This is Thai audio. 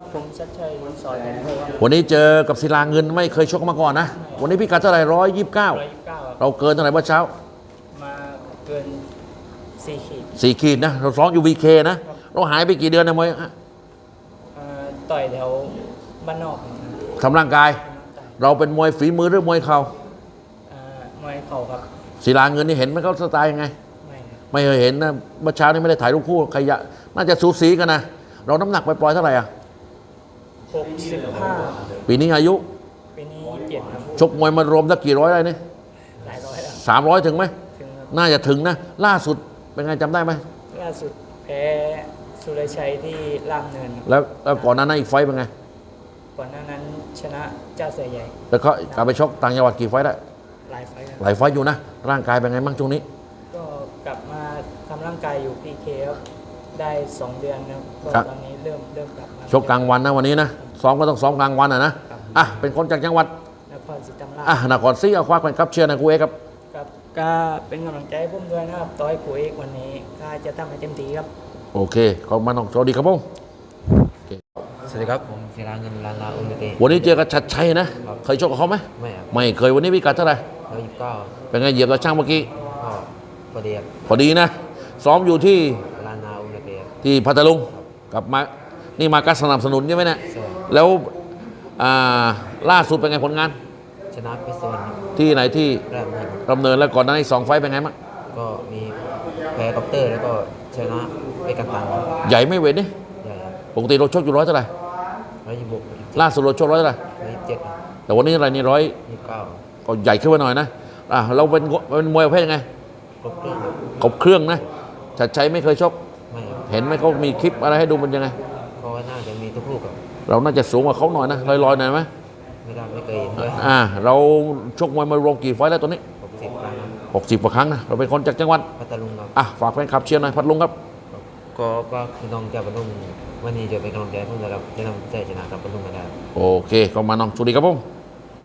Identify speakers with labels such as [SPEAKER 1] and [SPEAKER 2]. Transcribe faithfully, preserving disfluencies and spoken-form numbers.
[SPEAKER 1] ผมชัดชัยสอนแทนครับ
[SPEAKER 2] วันนี้เจอกับศิลาเงินไม่เคยชกมาก่อนนะวันนี้พิกัดเท่าไหร่ร้อยยี่สิบเก้า
[SPEAKER 1] ร้อยยี่สิบเก้าครับ
[SPEAKER 2] เราเกินเท่าไหร่เมื่อเช้า
[SPEAKER 1] มาเกินสี่ขีด
[SPEAKER 2] สี่ขีดนะเราซ้อมอยู่วีเคนะเราหายไปกี่เดือนนะมวยฮะ
[SPEAKER 1] อ่าต่อยแถวบ้านนอกนะครับ
[SPEAKER 2] ทำร่างกาย เราเป็นมวยฝีมือหรือมวยเข่า
[SPEAKER 1] อ่ามวยเข่าครับ
[SPEAKER 2] ศิลาเงินนี่เห็นไหมเขาสไตล์ยังไง
[SPEAKER 1] ไม่ครับ
[SPEAKER 2] ไม่เคยเห็นนะเมื่อเช้านี่ไม่ได้ถ่ายรูปคู่ใครยะน่าจะสูสีกันนะเราน้ำหนักไปปล่อยๆเท่าไหร่อ่ะ
[SPEAKER 1] หกสิบห้า
[SPEAKER 2] ปีนี้อายุ
[SPEAKER 1] ปีนี้เจ็ดครับ
[SPEAKER 2] ชกมวยมารวมสักกี่ร้อยได้นี่
[SPEAKER 1] หลายร้อยแล้ว
[SPEAKER 2] สามร้อยถึงไหม
[SPEAKER 1] ถึงครับ
[SPEAKER 2] น่าจะถึงนะล่าสุดเป็นไงจำได้ไหม
[SPEAKER 1] ล่าสุดแพ้สุรชัยที่ล่ามเนินครับ
[SPEAKER 2] แล้วแล้วก่อนหน้านั้นอีกไฟต์เป็นไง
[SPEAKER 1] ก่อนหน้านั้นชนะเจ้าเสือใหญ่
[SPEAKER 2] แล้วเขากลับไปชกต่างจังหวัดกี่ไฟต์ได้
[SPEAKER 1] หลายไฟล์ครับ
[SPEAKER 2] หลายไฟต์อยู่นะ ร่างกายเป็นไงบ้างช่วงนี้
[SPEAKER 1] ก็กลับมาทำร่างกายอยู่พีเคครับได้สองเดือนครับก็
[SPEAKER 2] ครับ
[SPEAKER 1] ตอนนี้เริ่มเริ่มกลับมา
[SPEAKER 2] ชกกลางวันนะวันนี้นะซ้อมก็ต้องซ้อมกลางวันอ่ะนะอ่ะเป็นคนจากจังหวัด
[SPEAKER 1] นครศรีธรรมราช
[SPEAKER 2] อ่ะนครศรีเอาคว้าแข่งขับเชียร์นะกูเอกครับ
[SPEAKER 1] ครับก็เป็นกำลังใจให้ผมด้วยนะครับต่อยคุยวันนี้ก็จะทำให้เต็มที่ครับ
[SPEAKER 2] โอเคขอบคุณมากน้องสวัสดีครับผม
[SPEAKER 3] สวัสดีครับผมศิลาเงินลานลาอุลเต
[SPEAKER 2] วันนี้เจอกับชัดชัยนะเคยชกกับเขาไหม
[SPEAKER 3] ไม่ครับ
[SPEAKER 2] ไม่เคยวันนี้พิกัดเท่าไหร่
[SPEAKER 3] ร้อยยี่สิบเก้า
[SPEAKER 2] เป็นไงเหยียบกับช่างเมื่อกี้
[SPEAKER 3] ก็พอดีครับ
[SPEAKER 2] พอดีนะซ้อมอยู่ที่
[SPEAKER 3] ลานนาอุลเต
[SPEAKER 2] ที่พัทลุงกลับมานี่มาการสนับสนุนใช่ไหมเนี่ย
[SPEAKER 3] ใช่
[SPEAKER 2] แล้วอ่าล่าสุดเป็นไงผลงาน
[SPEAKER 3] ชนะพิศวรรณ
[SPEAKER 2] ที่ไหนที่
[SPEAKER 3] แรกทีม
[SPEAKER 2] ดำเนินแล้วก่อนหน้านี้สองไฟต์เป็นไงบ้าง
[SPEAKER 3] ก็มีแพ้คอปเตอร์แล้วก็ชนะเอกกันตัน
[SPEAKER 2] ใหญ่ไม่เวทนี่
[SPEAKER 3] ใหญ่ครับ
[SPEAKER 2] ปกติเราชกอยู่ร้อยเท่าไหร่
[SPEAKER 3] ร้อยยี่สิบหก
[SPEAKER 2] ล่าสุดเราชกร้อยเท่าไหร่
[SPEAKER 3] ร้อยยี่สิบเจ็ด
[SPEAKER 2] แต่วันนี้อะไรนี่ร้อย
[SPEAKER 3] ยี่สิบเก้า
[SPEAKER 2] ก็ใหญ่ขึ้นมาหน่อยนะอ่ะเราเป็นเป็นมวยประเภทยังไง
[SPEAKER 3] ครบเครื่องครับ
[SPEAKER 2] ครบเครื่องนะชัดชัยไม่เคยชก
[SPEAKER 3] ไม่ครับ
[SPEAKER 2] เห็นไหมเขามีคลิปอะไรให้ดูมันยังไง
[SPEAKER 3] เพราะว่าน่าจะมีทุกลูกครับ
[SPEAKER 2] เราน่าจะสูงกว่าเขาหน่อยนะลอยๆหน่อยไหม
[SPEAKER 3] ไม่ได้ไม่เคยเห็นด้วย
[SPEAKER 2] อ่าเราชกมวยมารวมกี่ไฟต์แล้วตัวนี้
[SPEAKER 3] ผมสิบครั้งครับ
[SPEAKER 2] หกสิบกว่าครั้งนะเราเป็นคนจากจังหวัด
[SPEAKER 3] พัทลุงครับ
[SPEAKER 2] อ่ะฝากแฟนคลับเชียร์หน่อยพัดลุงครับ
[SPEAKER 3] ก็ก็คือน้องจะบรรลุงวันนี้จะเป็นกำลังใจให้ผมนะครับจะนำใจชนะครับบรรลุงกันได้
[SPEAKER 2] โอเคเข้ามาน้องสวัสดีครับผม